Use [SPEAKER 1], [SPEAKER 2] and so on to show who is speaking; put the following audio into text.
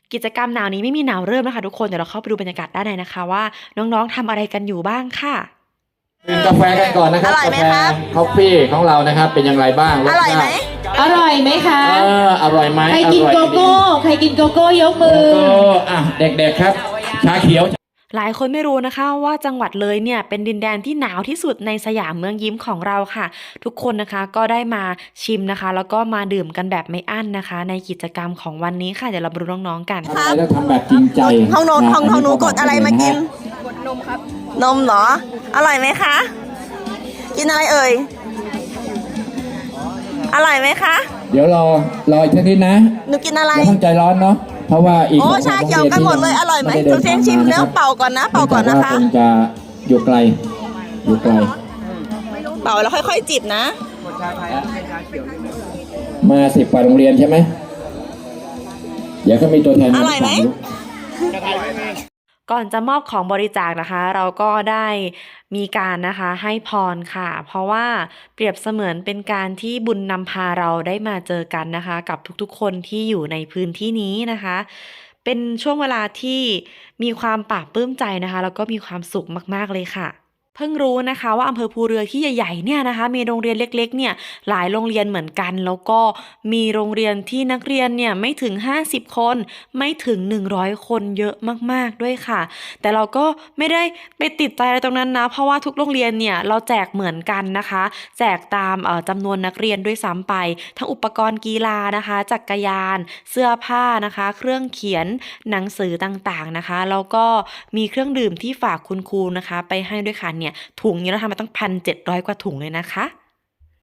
[SPEAKER 1] กิจกรรมหนาวนี้ไม่มีหนาวเริ่มนะคะทุกคนเดี๋ยวเราเข้าไปดูบรรยากาศด้านในนะคะว่าน้องๆทำอะไรกันอยู่บ้างค่ะ
[SPEAKER 2] ดื่มกาแฟกันก่อนนะครับ
[SPEAKER 3] อร่อยไหม
[SPEAKER 2] กาแฟ
[SPEAKER 3] ครับ
[SPEAKER 2] คอฟฟี่ของเรานะครับเป็นอย่างไรบ้าง
[SPEAKER 3] อร่อยไหม
[SPEAKER 4] อร่อยไหมคะ
[SPEAKER 2] อร่อยไหม
[SPEAKER 4] ใครกินโกโก้ ใครกินโกโก้ยกมือ
[SPEAKER 2] โกโก้เด็กๆครับชาเขียว
[SPEAKER 1] หลายคนไม่รู้นะคะว่าจังหวัดเลยเนี่ยเป็นดินแดนที่หนาวที่สุดในสยามเมืองยิ้มของเราค่ะทุกคนนะคะก็ได้มาชิมนะคะแล้วก็มาดื่มกันแบบไม่อั้นนะคะในกิจกรรมของวันนี้ค่ะเดี๋ยวเรามาดูน้องๆกัน
[SPEAKER 2] ทำอะไรแล้วทำแบบจริงใจ
[SPEAKER 3] ของหนู
[SPEAKER 2] นะ
[SPEAKER 3] ของหนูกดอะไรมากิน
[SPEAKER 2] กดนมครับ
[SPEAKER 3] นมเหรอ อร่อยไหมคะ กินอะไรเอ่ย อร่อยไหมคะ
[SPEAKER 2] เดี๋ยวรออีกสักนิดนะ
[SPEAKER 3] หนูกินอะไร
[SPEAKER 2] อย่าเพิ่งใจร้อนเนาะเพราะว่าอีก
[SPEAKER 3] โอ้ชาเขียวกันหมดเลย อร่อยไหมทุกเสียงชิมแล้วเป่าก่อนนะ เป่าก่อนนะคะ
[SPEAKER 2] คงจะอยู่ไกล
[SPEAKER 3] เป่าแล้วค่อยๆจิบนะ
[SPEAKER 2] มา10 กว่าโรงเรียนใช่ไหมเดี๋ยวก็มีตัวแทน
[SPEAKER 3] อร่อยไหม
[SPEAKER 1] ก่อนจะมอบของบริจาคนะคะ เราก็ได้มีการนะคะให้พรค่ะ เพราะว่าเปรียบเสมือนเป็นการที่บุญนำพาเราได้มาเจอกันนะคะ กับทุกๆคนที่อยู่ในพื้นที่นี้นะคะ เป็นช่วงเวลาที่มีความปลาบปลื้มใจนะคะ แล้วก็มีความสุขมากๆเลยค่ะ เพิ่งรู้นะคะว่าอำเภอภูเรือที่ใหญ่ๆเนี่ยนะคะมีโรงเรียนเล็กๆเนี่ยหลายโรงเรียนเหมือนกันแล้วก็มีโรงเรียนที่นักเรียนเนี่ยไม่ถึง50 คนไม่ถึง100 คนเยอะมากๆด้วยค่ะแต่เราก็ไม่ได้ไปติดใจอะไรตรงนั้นนะเพราะว่าทุกโรงเรียนเนี่ยเราแจกเหมือนกันนะคะแจกตามจำนวนนักเรียนด้วยซ้ำไปทั้งอุปกรณ์กีฬานะคะจักรยานเสื้อผ้านะคะเครื่องเขียนหนังสือต่างๆนะคะแล้วก็มีเครื่องดื่มที่ฝากคุณครูนะคะไปให้ด้วยค่ะเนี่ยถุงนี้เราทำมาตั้ง1,700 กว่าถุงเลยนะคะ